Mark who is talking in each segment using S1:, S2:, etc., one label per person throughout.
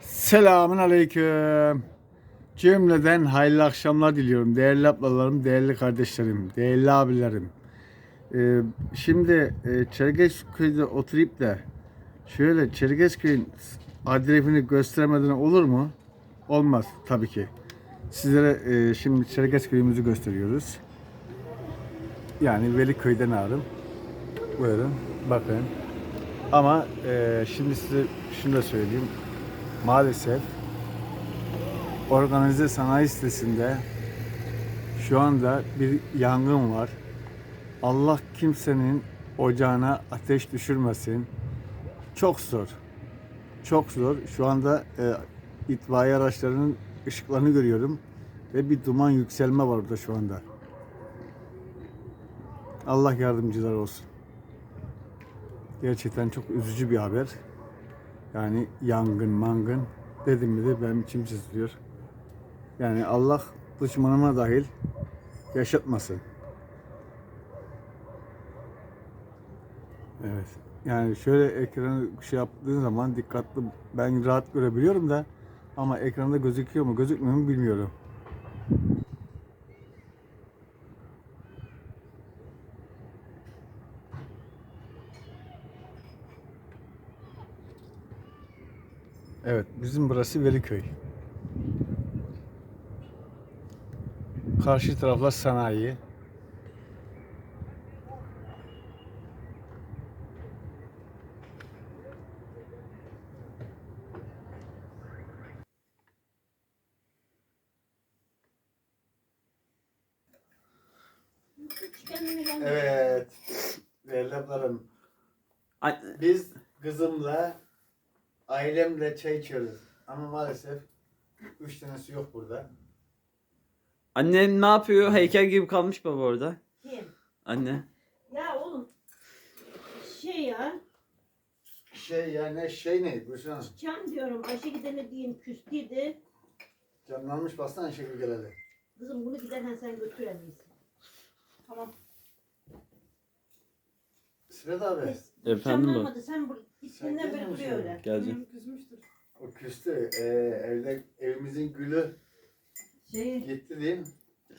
S1: Selamun aleyküm. Cümleden hayırlı akşamlar diliyorum. Değerli ablalarım, değerli kardeşlerim, değerli abilerim. Şimdi Çerkezköy'de oturup da şöyle Çerkezköy'ün adresini göstermeden olur mu? Olmaz tabii ki. Sizlere şimdi Çerkezköy'ümüzü gösteriyoruz. Yani Veliköy'den ağrım. Buyurun bakın. Ama şimdi size şunu da söyleyeyim. Maalesef organize sanayi sitesinde şu anda bir yangın var. Allah kimsenin ocağına ateş düşürmesin. Çok zor. Çok zor. Şu anda itfaiye araçlarının ışıklarını görüyorum ve bir duman yükselme var burada şu anda. Allah yardımcılar olsun. Gerçekten çok üzücü bir haber. Yani yangın, mangın dedim mi de benim içim sızlıyor. Yani Allah düşmanıma dahil yaşatmasın. Evet. Yani şöyle ekranı şey yaptığın zaman dikkatli, ben rahat görebiliyorum da ama ekranda gözüküyor mu gözükmüyor mu bilmiyorum. Evet, bizim burası Veliköy. Karşı taraflar sanayi. Evet, değerli ablarım. Biz kızımla, ailemle çay içiyoruz. Ama maalesef 3 tanesi yok burada.
S2: Annen ne yapıyor? Heykel gibi kalmış baba orada.
S3: Kim?
S2: Anne.
S3: Ya oğlum ya
S1: Ne? Buyursun.
S3: Can diyorum Ayşe gidene diyeyim küstüydü.
S1: Canlanmış baksana şekil geleli.
S3: Kızım bunu giderken sen götür en iyisi. Tamam.
S1: Sırat abi.
S2: Efendim bu.
S3: Canlanmadı sen gittiğinden beri
S1: gelmiyor
S3: duruyor
S1: musun?
S3: öyle.
S2: Geleceğim.
S3: Küsmüştür.
S1: O küstü. Evimizin gülü gitti değil mi?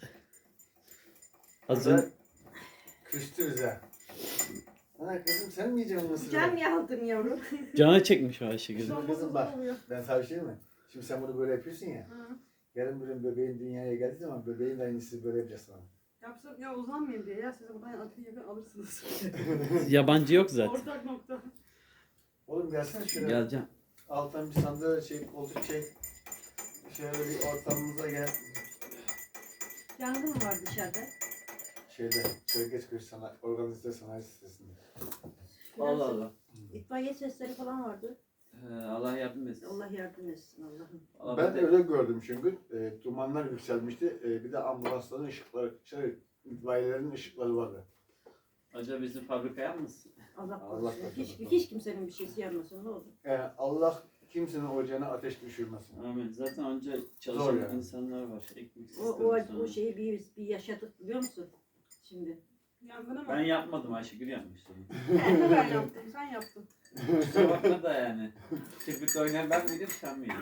S2: Hazır.
S1: Küstü bize. Ana kızım sen mi yiyeceksin mısırı?
S3: Can yaldın yavrum.
S2: Canı çekmiş o Ayşegül.
S1: Şimdi kızım bak, ben sana bir şey diyeyim mi? Şimdi sen bunu böyle yapıyorsun ya.
S3: Hı.
S1: Yarın bir gün bebeğin dünyaya geldiği zaman bebeğin de aynısı böyle yapacağız sana.
S4: Yapsam ya uzanmayayım diye ya siz buradan atıyı yakın alırsınız.
S2: Yabancı yok zaten.
S4: Ortak nokta.
S1: Oğlum gelsene şöyle.
S2: Geleceğim.
S1: Alttan bir sandalye koltuk çek. Şöyle bir ortamımıza gel.
S3: Yangın mı var dışarıda?
S1: Çerkezköy organize sanayi sitesinde.
S2: Allah Allah.
S3: İtfaiye sesleri falan vardı.
S2: Allah yardım etsin.
S3: Allah yardım etsin Allah'ım.
S2: Allah
S1: Ben
S2: bize-
S1: öyle gördüm çünkü dumanlar yükselmişti. Bir de ambulansların ışıkları, itfaiyelerin ışıkları vardı.
S2: Acaba bizim fabrikaya mısın?
S3: Allah
S1: Allah
S3: korusun.
S1: korusun.
S3: Hiç kimsenin bir şeysi yanmasın ne olur.
S1: Allah kimsenin ocağına ateş düşürmesin.
S2: Amin. Zaten önce çalışan
S1: Zor yani.
S2: insanlar var. Ekmek
S3: O
S2: sistemi.
S3: şeyi bir yaşadık biliyor musun? Şimdi.
S4: Yangına mı?
S2: Ben yapmadım, Ayşegül yapmıştı.
S4: Ben yaptım, sen yaptın.
S2: Kusura bakma da yani. Kirpik oynayan ben miydim, sen miydin?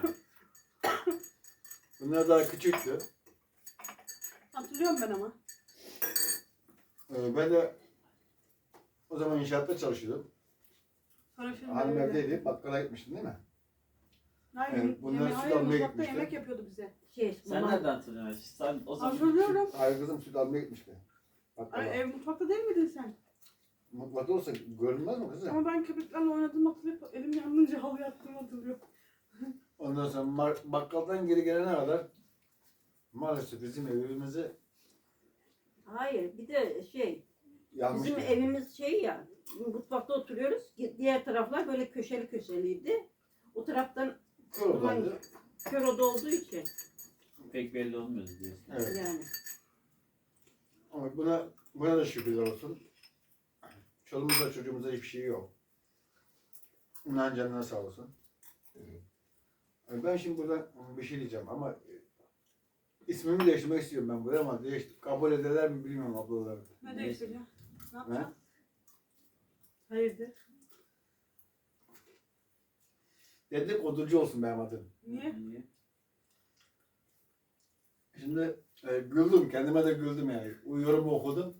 S1: Bunlar daha küçüktü.
S4: Hatırlıyorum ben ama.
S1: Ben de o zaman inşaatta çalışıyordum.
S4: Paraşütün
S1: Hanım evdeydi, bakkala gitmiştin değil mi?
S4: Hayır,
S1: bunları süt
S4: hayır,
S1: almaya
S4: mutfakta
S1: gitmişti.
S4: yemek yapıyordu bize.
S2: Sen nereden hatırlıyorsun Ayşe? Sen o zaman...
S4: Hatırlıyorum.
S1: Hayır kızım süt almaya gitmişti. Bakkala.
S4: Ay, ev mutfakta değil miydin sen?
S1: Mutfakta olsa görünmez mi kızım?
S4: Ama ben köpeklerle oynadım hatırlayıp elim yanınca halı yattığımı hatırlıyorum.
S1: Ondan sonra bakkaldan geri gelene kadar maalesef bizim evimizi
S3: Hayır bir de bizim
S1: yanmıştı.
S3: evimiz ya mutfakta oturuyoruz. Diğer taraflar böyle köşeli köşeliydi. O taraftan
S1: Kör odaydı.
S3: kör oda olduğu için
S2: Pek belli olmuyordu diyorsun.
S1: Evet.
S3: yani.
S1: Ama buna da şükürler olsun. Çoluğumuzda çocuğumuzda hiçbir şey yok. Onların canına sağ olsun. Ben şimdi burada bir şey diyeceğim ama ismimi değiştirmek istiyorum ben buraya ama kabul ederler mi bilmiyorum ablalarım.
S4: Ne değiştiriyor? Ne
S1: Ne?
S4: yapacağız? Hayırdır?
S1: Dedikoducu olsun benim adım.
S4: Niye?
S2: Niye?
S1: Şimdi güldüm. Kendime de güldüm yani. Uyuyorum okudum.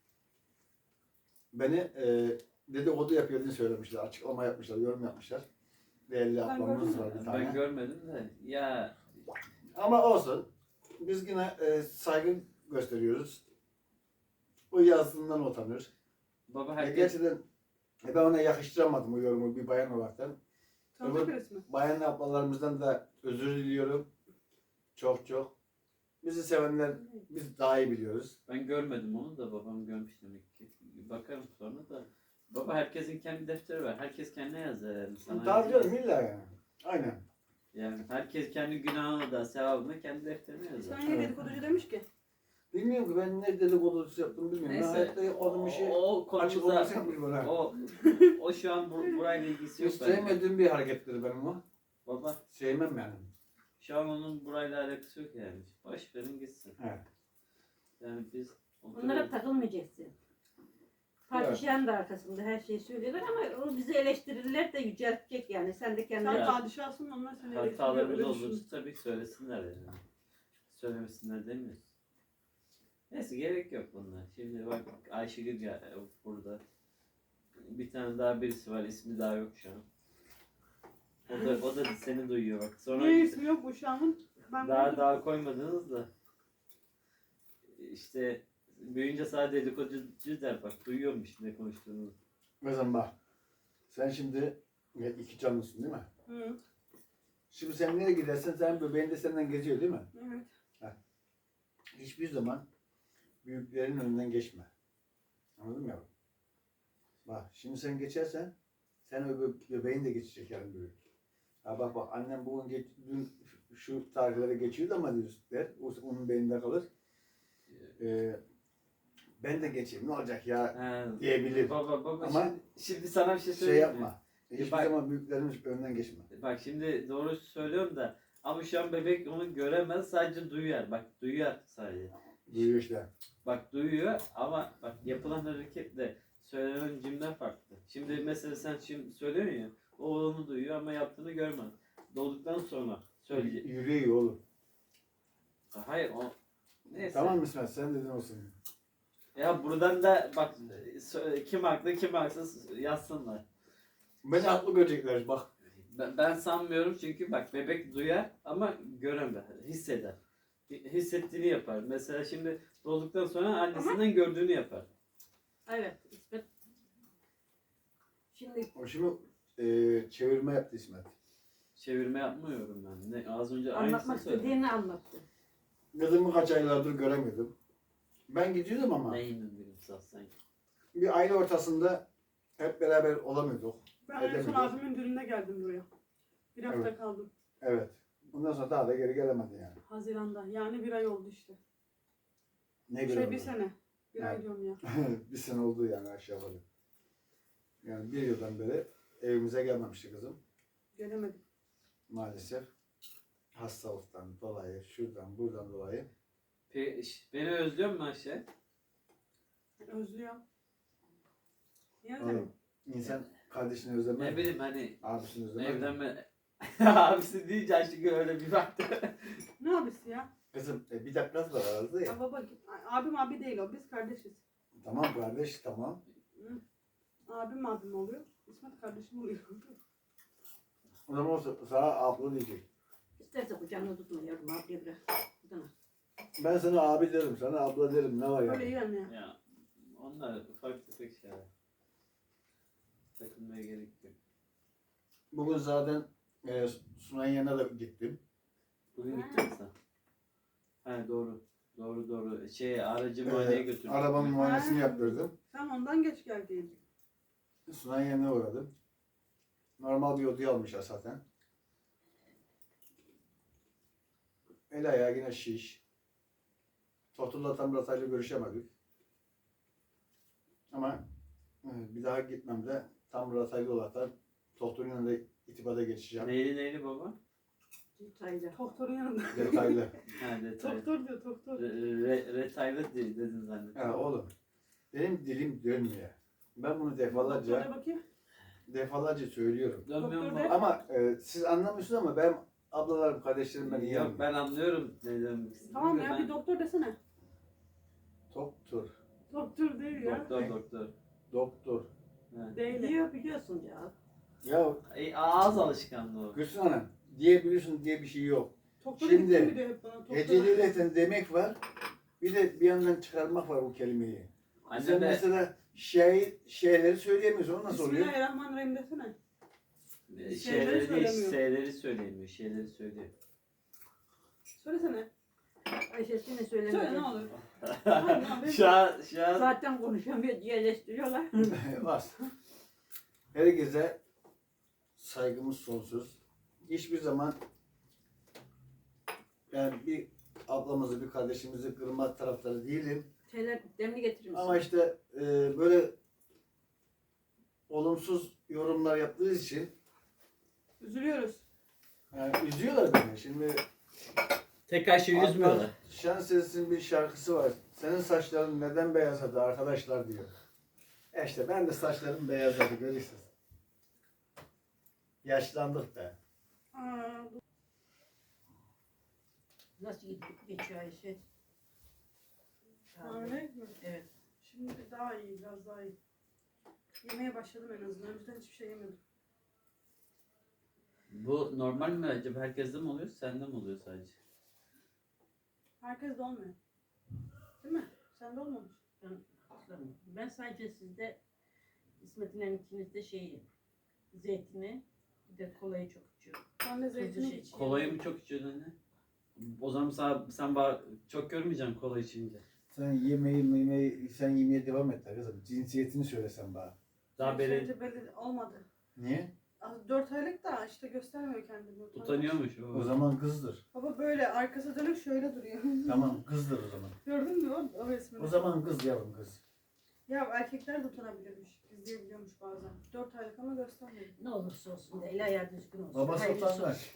S1: Beni dedikodu yapıyor söylemişler. Açıklama yapmışlar. Yorum yapmışlar. Değerli
S4: Ben
S1: ablamız
S4: gördüm.
S1: var bir tane.
S2: Ben görmedim de. Ya
S1: Ama olsun. Biz yine saygı gösteriyoruz. O yazdığından utanır.
S2: baba
S1: Herkes...
S2: herkes
S1: Gerçekten ben ona yakıştıramadım o yorumu bir bayan olaraktan.
S4: Tanıdık
S1: Evet.
S4: birisi mi?
S1: Bayan ablalarımızdan da özür diliyorum. Çok çok. Bizi sevenler biz daha iyi biliyoruz.
S2: ben görmedim onu da babam görmüş demek ki. Bakarım sonra da. Baba herkesin kendi defteri var. Herkes kendine yazar yani. Sana
S1: Tabii
S2: yazmaz.
S1: canım illa yani. Aynen.
S2: Yani herkes kendi günahını da sevabını kendi defterine yazar.
S4: Sen niye dedikoducu demiş ki?
S1: Bilmiyorum ki ben ne dedikodusu yaptım bilmiyorum. Ben
S2: Neyse.
S1: hayatta yapmadığım bir şey
S2: O
S1: açık
S2: konumuzda
S1: olması yapmış bana.
S2: o şu an burayla ilgisi yok
S1: Hiç
S2: bence.
S1: sevmediğim bir harekettir benim o.
S2: Baba
S1: Sevmem yani.
S2: şu an onun burayla alakası yok yani. Boş verin gitsin.
S1: Evet.
S2: Yani biz
S3: Onlara takılmayacaksın. Padişahın da arkasında her şeyi söylüyorlar ama o bizi eleştirirler de yüceltecek yani. Sen de kendine...
S4: Sen
S2: Ya.
S4: padişahsın, onlar seni eleştiriyor.
S2: hatalarımız
S4: öyle düşün.
S2: olursa tabii ki söylesinler yani. Söylemesinler demiyoruz. Neyse gerek yok bunlar. Şimdi bak Ayşegül burada. Bir tane daha birisi var, ismi daha yok şu an. O da seni duyuyor bak. Sonra
S4: Niye ismi yok bu şu anın? Ben gördüm.
S2: daha koymadınız da. İşte büyüyünce sadece dedikoducu der bak. Duyuyormuş ne konuştuğunu.
S1: Mesela bak. Sen şimdi iki canlısın değil mi?
S4: Hı.
S1: Şimdi sen nereye gidersen sen bebeğin de senden geziyor değil mi?
S4: Evet.
S1: Hiçbir zaman büyüklerin önünden geçme. Anladın mı yavrum? Bak şimdi sen geçersen sen bebeğin de geçecek yarın büyük. Ha bak annem bugün dün şu tarihlere geçiyordu ama der. Onun beyninde kalır. Ben de geçeyim ne olacak ya
S2: He,
S1: diyebilir.
S2: baba
S1: Ama
S2: şimdi sana bir şey
S1: Şey
S2: söyleyeyim mi?
S1: yapma. Hiçbir
S2: Bak-
S1: zaman büyüklerin önünden geçme.
S2: Bak şimdi doğru söylüyorum da ama şu an bebek onu göremez sadece duyar. Bak duyar sadece.
S1: Duyuyor işte.
S2: Bak duyuyor ama bak yapılan hareketle söylenen cümle farklı. Şimdi mesela sen şimdi söylüyorsun ya o onu duyuyor ama yaptığını görmez. Doğduktan sonra söyleyecek.
S1: Yüreği oğlum.
S2: Hayır o neyse.
S1: Tamam mı İsmet? Sen dedin olsun.
S2: Ya buradan da bak kim haklı kim haksız yazsınlar.
S1: Beni haklı görecekler bak.
S2: Ben sanmıyorum çünkü bak bebek duyar ama göremez, hisseder. Hissettiğini yapar. Mesela şimdi doğduktan sonra annesinden gördüğünü yapar.
S3: Evet. İsmet. Şimdi
S1: O şimdi çevirme yaptı İsmet.
S2: Çevirme yapmıyorum ben. Ne az önce
S3: anlatmak
S2: aynısını söyledim.
S3: istediğini anlattı.
S1: Kızımı kaç aylardır göremiyordum. Ben gidiyordum ama
S2: Neyin bilimsel sanki.
S1: bir aile ortasında hep beraber olamıyorduk.
S4: Ben en son
S1: Edemedim.
S4: abimin düğününe geldim buraya. Bir hafta
S1: Evet.
S4: kaldım.
S1: Evet. Ondan sonra daha da geri gelemedi yani.
S4: Haziran'da. Yani bir ay oldu işte.
S1: Ne
S4: Bir
S1: bileyim.
S4: sene. Bir ay
S1: Evet.
S4: diyorum ya.
S1: Bir sene oldu yani aşağı yukarı. Yani bir yıldan beri evimize gelmemişti kızım.
S4: Gelemedim.
S1: Maalesef. Hastalıktan dolayı, şuradan buradan dolayı.
S2: Beni özlüyor musun Ayşe?
S4: Özlüyorum. Niye
S1: Oğlum,
S4: özlemeyim?
S1: İnsan kardeşini özlemez
S2: Ne
S1: mi?
S2: bileyim hani
S1: Abisini özlemez mi?
S2: evlenme... Abisi deyince Ayşegül öyle bir baktı.
S4: Ne abisi ya?
S1: Kızım bir dakikası var arada ya.
S4: Ya baba abim abi değil o. Biz kardeşiz.
S1: Tamam kardeş tamam.
S4: Hı. Abim oluyor. İsmet kardeşim oluyor.
S1: O zaman o sana abla diyecek.
S3: İsterse kucağına tutma yavrum. Abiye bırak. Buradan al.
S1: Ben sana abi derim, sana abla derim. Ne var
S4: Öyle iyi
S1: yani?
S4: anne ya.
S2: Ya onlar ufak tefek şeyler. Takılmaya gerek yok.
S1: Bugün zaten Sunay'ın yanına da gittim.
S2: Bugün gittin mi sen? Ha doğru. Doğru. Aracı muayeneye götürdüm.
S1: Arabanın muayenesini
S4: Ha.
S1: yaptırdım.
S4: Sen ondan geç geldin.
S1: Sunay'ın yanına uğradım. Normal bir odaya almışlar zaten. El ayağı yine şiş. Tohtur'la tam Ratay'la görüşemedik. Ama bir daha gitmemde tam Ratay'la olarak Tohtur'un yanında itibata geçeceğim.
S2: Neyli baba?
S3: Detaylı.
S4: Doktorun yanında.
S1: Detaylı.
S2: Ha detay.
S4: Doktor diyor doktor.
S2: Retaylı dedin zannettim.
S1: Ya oğlum, benim dilim dönmüyor. Ben bunu
S4: Doktora
S1: defalarca
S4: bakayım.
S1: defalarca söylüyorum.
S2: Dönmüyor
S4: Doktor
S2: mu?
S4: de-
S1: Ama siz anlamıyorsunuz ama ben ablalarım, kardeşlerim ben iyi
S2: Yok
S1: anlıyorum.
S2: ben anlıyorum ne demek istediğini.
S4: Tamam ya
S2: Ben-
S4: bir doktor desene.
S1: Doktor.
S4: Doktor değil ya.
S2: Doktor.
S1: Doktor.
S2: Evet.
S4: Değil.
S3: Biliyor biliyorsun ya.
S1: Ya
S2: Ağız alışkanlığı o.
S1: Gülsün Hanım diyebiliyorsun diye bir şey yok.
S4: Doktora
S1: Şimdi,
S4: gittim mi diyor hep bana. Doktora.
S1: Heceliyle demek var. Bir de bir yandan çıkarmak var o kelimeyi.
S2: Anne
S1: Sen
S2: de
S1: mesela şeyleri söyleyemiyorsun. O nasıl oluyor?
S4: Bismillahirrahmanirrahim desene.
S2: şeyleri değil,
S4: söylemiyor.
S2: şeyleri söyleyemiyor. Şeyleri söylüyor.
S4: Söylesene.
S3: Ayşe'sini
S4: Söyle ne
S3: söylemedi.
S4: olur. Tamam,
S2: şu an
S3: Zaten konuşamıyor diye eleştiriyorlar.
S1: Var. Herkese saygımız sonsuz. Hiçbir zaman yani bir ablamızı, bir kardeşimizi kırmak taraftarı değilim.
S3: Şeyler demli getirir misin?
S1: Ama işte böyle olumsuz yorumlar yaptığı için
S4: Üzülüyoruz.
S1: yani üzüyorlar beni. Şimdi
S2: tekrar şey yüzmüyorlar.
S1: Adnan Şenses'in bir şarkısı var. Senin saçların neden beyazladı arkadaşlar diyor. İşte ben de saçlarım beyazladı görüyorsunuz. Yaşlandık da.
S4: Aa,
S3: Nasıl geçiyor Ayşe?
S4: hamile mi?
S3: Evet.
S4: Şimdi daha iyi, biraz daha iyi. Yemeye başladım en azından. Önceden hiçbir şey yemiyordum.
S2: Bu normal mi acaba? Herkeste mi oluyor? Sende mi oluyor sadece?
S4: Herkes de olmuyor. Değil mi? Sende olmamış.
S3: Ben sadece sizde İsmet'in ikinizde şeyi zeytini bir de kolayı çok içiyorum.
S4: Ben de zeytini
S3: şey-
S4: içiyorum.
S2: Kolayı mı çok içiyorsun anne? O zaman sen çok görmeyeceksin kola içince.
S1: Sen sen yemeye devam et de kızım. Cinsiyetini söylesen bana.
S2: Daha
S4: Şeyde belli olmadı.
S1: Niye?
S4: 4 aylık da işte göstermiyor kendini.
S2: utanıyormuş
S1: O zaman kızdır.
S4: Baba böyle arkası dönük şöyle duruyor.
S1: Tamam kızdır o zaman.
S4: Gördün mü o resmini?
S1: O zaman kız yavrum kız.
S4: Ya erkekler de utanabilirmiş. Gizleyebiliyormuş bazen. 4 aylık ama göstermiyor.
S3: Ne olursa olsun da eli ayağı düzgün olsun.
S1: Babası
S3: Hayırlısı olsun.
S1: utangaç.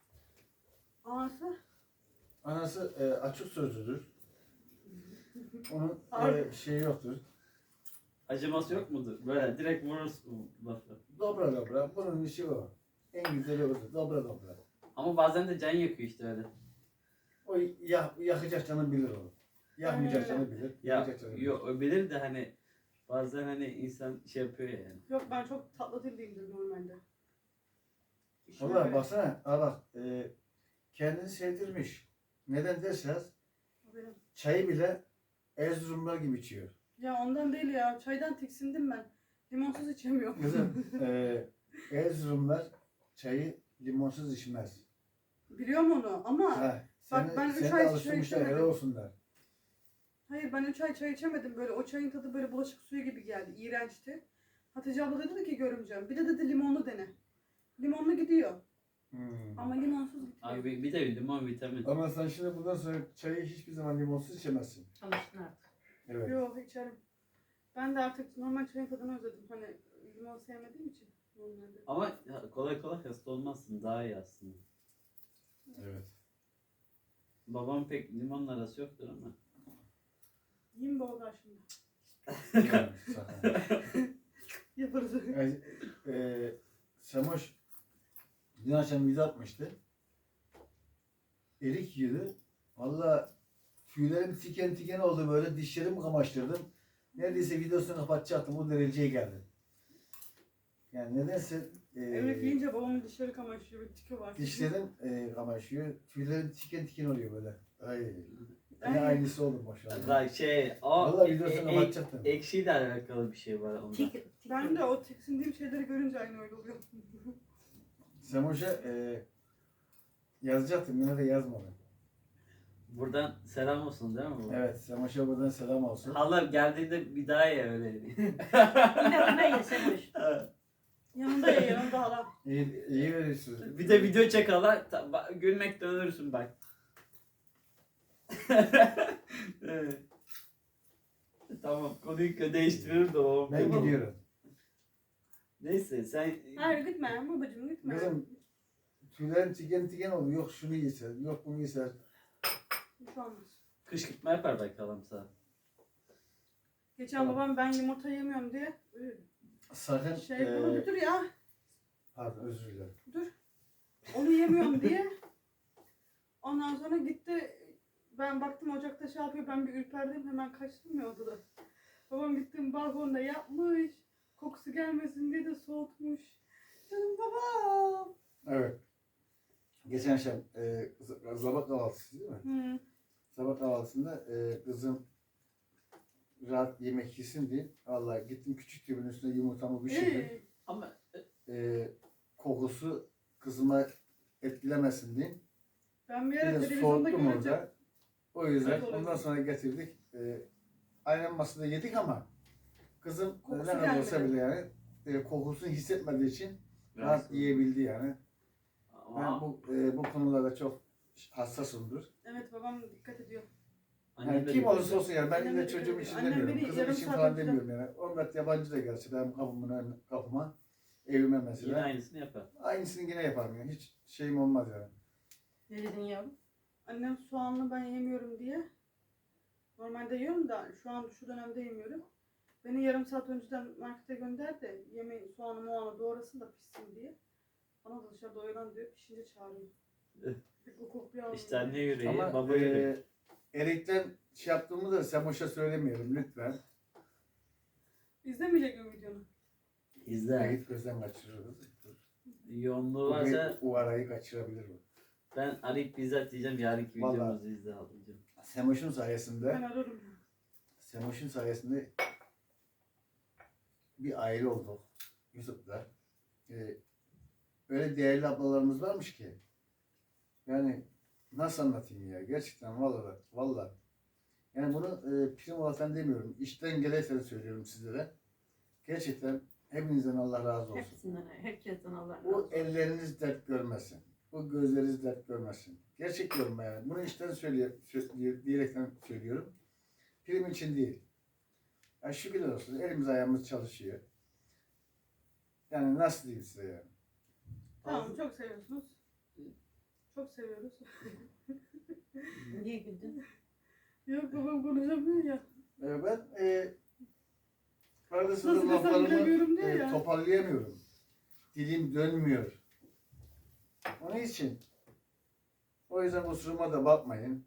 S4: Anası
S1: Anası açık sözlüdür. Onun
S4: Harbi.
S1: şeyi yoktur.
S2: Acıması yok mudur? Böyle direkt vurursun lafı.
S1: Dobra dobra. Bunun işi o. En güzeli odur. Dobra dobra.
S2: Ama bazen de can yakıyor işte öyle.
S1: O yakacak canı bilir onu. Yakmayacak canı bilir.
S2: Ya
S1: Yakacak canı bilir.
S2: yok o bilir de hani bazen hani insan şey yapıyor ya yani.
S4: yok ben çok tatlı dilliyimdir normalde. İşime
S1: Valla
S4: göre.
S1: baksana. Ha bak. Kendini sevdirmiş. Neden derseniz
S4: O benim.
S1: çayı bile Erzurumlar gibi içiyor.
S4: Ya ondan değil ya. Çaydan tiksindim ben. Limonsuz içemiyorum.
S1: Kızım Erzurumlar çayı limonsuz içmez.
S4: Biliyorum onu ama
S1: Ha,
S4: bak ben
S1: seni
S4: 3
S1: de
S4: ay çay
S1: alıştırmışlar helal
S4: içemedim.
S1: olsunlar.
S4: Hayır ben 3 ay çay içemedim. Böyle o çayın tadı böyle bulaşık suyu gibi geldi. İğrençti. Hatice abla dedi ki görümcem. Bir de dedi limonlu dene. Limonlu gidiyor. Ama limonsuz gitmiyor.
S2: Abi bir de limon vitamin.
S1: Ama sen şimdi bundan sonra çayı hiçbir zaman limonsuz içemezsin.
S3: Alıştın artık.
S1: Evet.
S4: Yok içerim. Ben de artık normal çayın tadını özledim. Hani limon sevmediğim için. Normalde.
S2: Ama kolay kolay hasta olmazsın. Daha iyi aslında.
S1: Evet.
S2: Babam pek limonla arası yoktur ama.
S4: Yiyeyim baba karşımda.
S1: Yani, sakın.
S4: Yaparız.
S1: Yani, Semoş dün akşam video atmıştı. Erik yiyordu. Valla tüylerim tiken tiken oldu böyle dişlerimi kamaştırdım. Neredeyse videosunu kapatacaktım o dereceye geldi. Yani nedense
S4: Emre yiyince babamın dişleri kamaşıyor. Bir tiki var.
S1: dişlerim kamaşıyor. Tüylerim tiken tiken oluyor böyle. Ay.
S4: Ay.
S1: Ne aynısı oldu maşallah.
S2: Bak şey o
S1: Valla videosunu kapatacaktım.
S2: ekşiyle alakalı bir şey var onda.
S4: Ben de o tiksindiğim şeyleri görünce aynı öyle oluyor.
S1: Semoş'a yazacaktım yine de yazmadım.
S2: Buradan selam olsun değil mi bu?
S1: Evet Semoş'a buradan selam olsun.
S2: Hala geldiğinde bir daha ye öyle.
S3: İnadına yesen hoş.
S4: Yanında ya yanında hala.
S1: İyi veriyorsunuz.
S2: Bir de video çek hala gülmekten ölürsün bak. Evet. Tamam konuyu değiştiririm de o.
S1: Ben gidiyorum.
S2: Neyse sen
S4: Hayır gitme babacığım gitme.
S1: Kızım tüylerim tiken tiken oldu. Yok şunu yeser, yok bunu yeser.
S4: Bir şey olmaz.
S2: kışkırtma yapar bakalım sana.
S4: Geçen babam ben yumurta yemiyorum diye
S1: Sakın
S4: Bunu bir dur ya.
S1: pardon özür dilerim.
S4: Dur. Onu yemiyorum diye. Ondan sonra gitti. Ben baktım ocakta şey yapıyor. Ben bir ürperdim. Hemen kaçtım ya odada. Babam gittim balkonda yapmış. Kokusu gelmesin diye de soğutmuş. Canım babam.
S1: Evet. Geçen akşam sabah kahvaltısı değil mi?
S4: Hı.
S1: Sabah kahvaltısında kızım rahat yemek yesin diye vallahi gittim küçük tüpün üstüne yumurtamı pişirdim.
S2: Ama
S1: Kokusu kızıma etkilemesin diye.
S4: Ben bir
S1: Bir
S4: ara
S1: de
S4: televizyonda
S1: soğuttum
S4: göreceğim.
S1: orada. O yüzden
S4: Evet, olabilir.
S1: ondan sonra getirdik. Aynen masada yedik ama kızım
S4: Kokusu
S1: ne kadar olsa
S4: gelmedi.
S1: bile yani kokusunu hissetmediği için rahat
S2: rahatsız.
S1: yiyebildi yani. Ben
S2: Ama
S1: bu konularda çok hassasımdır.
S4: Evet babam dikkat ediyor.
S2: annem
S1: Yani
S2: de
S1: kim
S2: diyor.
S1: olursa olsun yani ben
S4: Annem
S1: ille
S4: de
S1: çocuğum
S4: dikkat
S1: için
S4: ediyor. Annem
S1: demiyorum.
S4: beni
S1: Kızım
S4: yarım
S1: için
S4: saat
S1: falan
S4: önceden-
S1: demiyorum yani. Onlar yabancı da gelse benim kapıma evime
S2: Yine
S1: mesela.
S2: aynısını yapar.
S1: Aynısını yine yaparım yani. Hiç şeyim olmaz yani.
S3: Ne dedin yavrum?
S4: Annem soğanlı ben yemiyorum diye. Normalde yiyorum da şu an şu dönemde yemiyorum. Beni yarım saat önceden markete gönder de yemeği soğanı moğanı doğrasın da pişsin diye. Bana da dışarıda oyalan diyor. Pişince çağırıyor. Pek o kokuyu almıyor.
S2: İşte anne yüreği,
S1: Ama
S2: baba yüreği.
S1: Erik'ten şey yaptığımı da Semoş'a söylemeyelim lütfen.
S4: İzlemeyecek mi videonu?
S2: İzle.
S1: Erik gözden kaçırırız.
S2: Yoğunluğu
S1: Bu
S2: varsa
S1: o arayı kaçırabilir bu.
S2: ben arayıp bizzat diyeceğim yarınki
S1: Vallahi.
S2: videomuzu izle ablacığım.
S1: Semoş'un
S4: Ben
S1: sayesinde
S4: ararım.
S1: bir aile olduk Yusuf'la. Öyle değerli ablalarımız varmış ki. Yani nasıl anlatayım ya gerçekten vallahi. Yani bunu prim olarak demiyorum. İşten gelirse söylüyorum sizlere. Gerçekten hepinizden Allah razı olsun.
S3: Hepsinden, herkesten Allah razı
S1: Bu
S3: olsun.
S1: elleriniz dert görmesin. Bu gözleriniz dert görmesin. Gerçek diyorum yani. Bunu işten diyerekten söylüyorum. Prim için değil. Ya şükürler olsun. Elimiz ayağımız çalışıyor. Yani nasıl diyeyim size yani.
S4: Tamam çok seviyorsunuz. Çok seviyoruz.
S3: Niye güldün?
S4: Yok babam konuşamıyor ya.
S1: Ben arada
S4: Nasıl
S1: sırada
S4: desem
S1: laflarımı
S4: bilemiyorum diyor ya.
S1: toparlayamıyorum. Dilim dönmüyor. Onun için o yüzden kusuruma da bakmayın.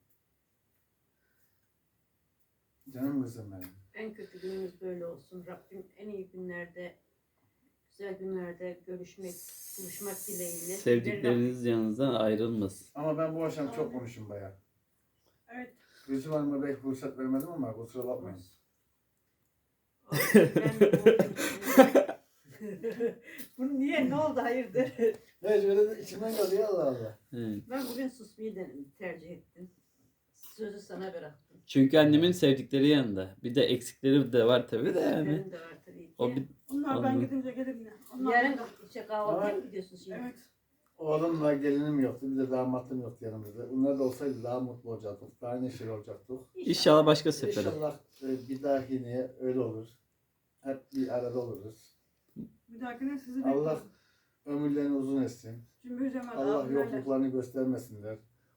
S1: Canım kızım benim.
S3: En kötü günümüz böyle olsun. Rabbim en iyi günlerde, güzel günlerde görüşmek, buluşmak dileğiyle.
S2: Sevdikleriniz yanınızdan ayrılmasın.
S1: Ama ben bu akşam çok konuşum bayağı.
S4: Evet.
S1: Gülsüm Hanım'a belki fırsat vermedim ama kusura bakmayın.
S3: Bu niye? Ne oldu? Hayırdır?
S1: Evet şöyle de içimden geliyor Allah Allah.
S2: Evet.
S3: Ben bugün susmayı tercih ettim. Sözü sana bıraktım.
S2: Çünkü annemin sevdikleri yanında. Bir de eksikleri de var tabii de yani.
S3: Benim de var tabii ki.
S2: O bir
S4: Onlar ben
S2: Anladım.
S4: gidince gelir yine. Onlar
S3: Yarın
S4: burada.
S3: işte kahvaltıya mı gidiyorsun şimdi?
S4: Evet.
S1: Oğlumla gelinim yoktu. Bir de damatlım yoktu yanımızda. Onlar da olsaydı daha mutlu olacaktık. Daha neşeli olacaktık.
S2: İnşallah başka sefere.
S1: İnşallah bir dahakine öyle olur. Hep bir arada oluruz.
S4: Bir dahakine sizi
S1: Allah
S4: bekliyorum.
S1: ömürlerini uzun etsin.
S4: Cümbür Cemal
S1: Allah
S4: abilerle.
S1: yokluklarını göstermesinler.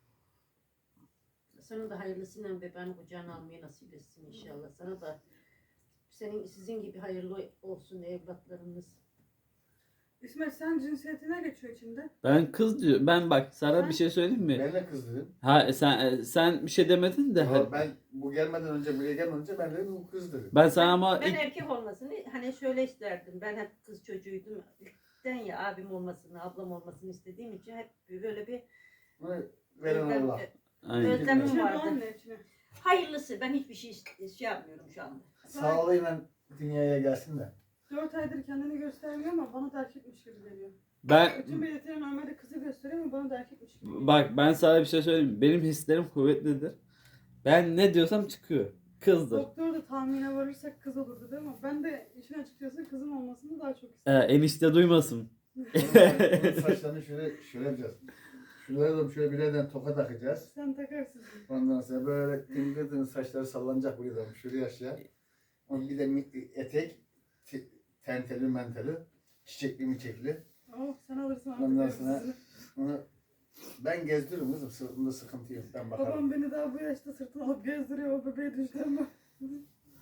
S3: Sana da hayırlısıyla bebeğini kucağına almayı nasip etsin inşallah. Sana da sizin gibi hayırlı olsun evlatlarınız.
S4: İsmet sen cinsiyetine geçiyor içinde.
S2: Ben kız diyor. Ben bak sana bir şey söyleyeyim mi?
S1: Ben de kız dedim.
S2: Ha sen bir şey demedin de.
S1: Ama ben bu gelmeden önce buraya gelmeden önce ben dedim bu kız dedim.
S2: Ben sana ama
S3: Ben
S2: ilk
S3: erkek olmasını hani şöyle isterdim. Ben hep kız çocuğuydum. İlkten ya abim olmasını, ablam olmasını istediğim için hep böyle bir
S1: Bunu veren
S3: özlem-
S1: Allah.
S2: Aynen.
S3: özlemim
S4: İçine
S3: vardı.
S4: doğan ne içine?
S3: Hayırlısı. Ben hiçbir şey yapmıyorum şu anda.
S1: Sağlığıyla dünyaya gelsin de.
S4: 4 aydır kendini göstermiyor ama bana da erkekmiş gibi geliyor.
S2: Ben
S4: Bütün belirtileri normalde kızı gösteriyor ama bana da erkekmiş gibi geliyor.
S2: bak ben sana bir şey söyleyeyim mi? Benim hislerim kuvvetlidir. Ben ne diyorsam çıkıyor. Kızdır.
S4: Doktor da tahmine varırsak kız olurdu değil mi? Ben de işin açıkçası kızım olmasını daha çok istedim.
S2: Enişte duymasın.
S1: Onun saçlarını şöyle yapacağız. Şuraya da şöyle birden toka takacağız.
S4: Sen takarsın.
S1: Ondan sonra böyle tıngır tıngır saçları sallanacak buraya da şuraya aşağı. Onun bir de etek, tenteli menteli, çiçekli miçekli.
S4: Oh sen alırsın artık.
S1: Ondan
S4: elbisesini.
S1: sonra onu ben gezdiririm kızım. Sırtımda sıkıntı yok. Ben bakarım.
S4: Babam beni daha bu yaşta sırtına alıp gezdiriyor o bebeği düşlerime.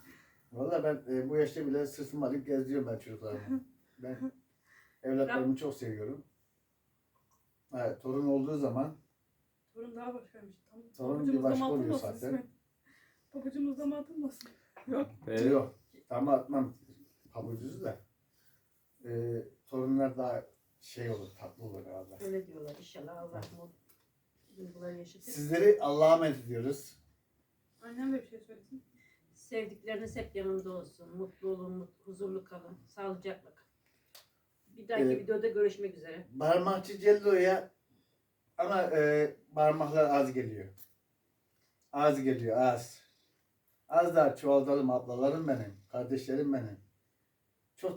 S1: Valla ben bu yaşta bile sırtımı alıp gezdiriyorum ben çocuklarımı. Ben evlatlarımı çok seviyorum. Evet, torun olduğu zaman
S4: Torun daha başkaymış.
S1: Torun
S4: Pabucumuzda
S1: bir başka
S4: mı
S1: oluyor
S4: atılmasın
S1: zaten.
S4: İsmet? Pabucumuzda mı atılmasın?
S1: yok. Tam atmam pabucuzu da. Torunlar daha şey olur, tatlı olur herhalde.
S3: Öyle diyorlar inşallah Allah mutlu duygular yaşatır.
S1: Sizleri Allah'a emanet ediyoruz.
S4: Annem de bir şey söylesin.
S3: Sevdikleriniz hep yanında olsun. Mutlu olun, huzurlu kalın, sağlıcakla kalın. Bir dahaki
S1: Evet.
S3: videoda görüşmek üzere.
S1: Parmakçı Cello'ya ama parmaklar az geliyor. Az geliyor, az. Az daha çoğaltalım ablalarım benim, kardeşlerim benim.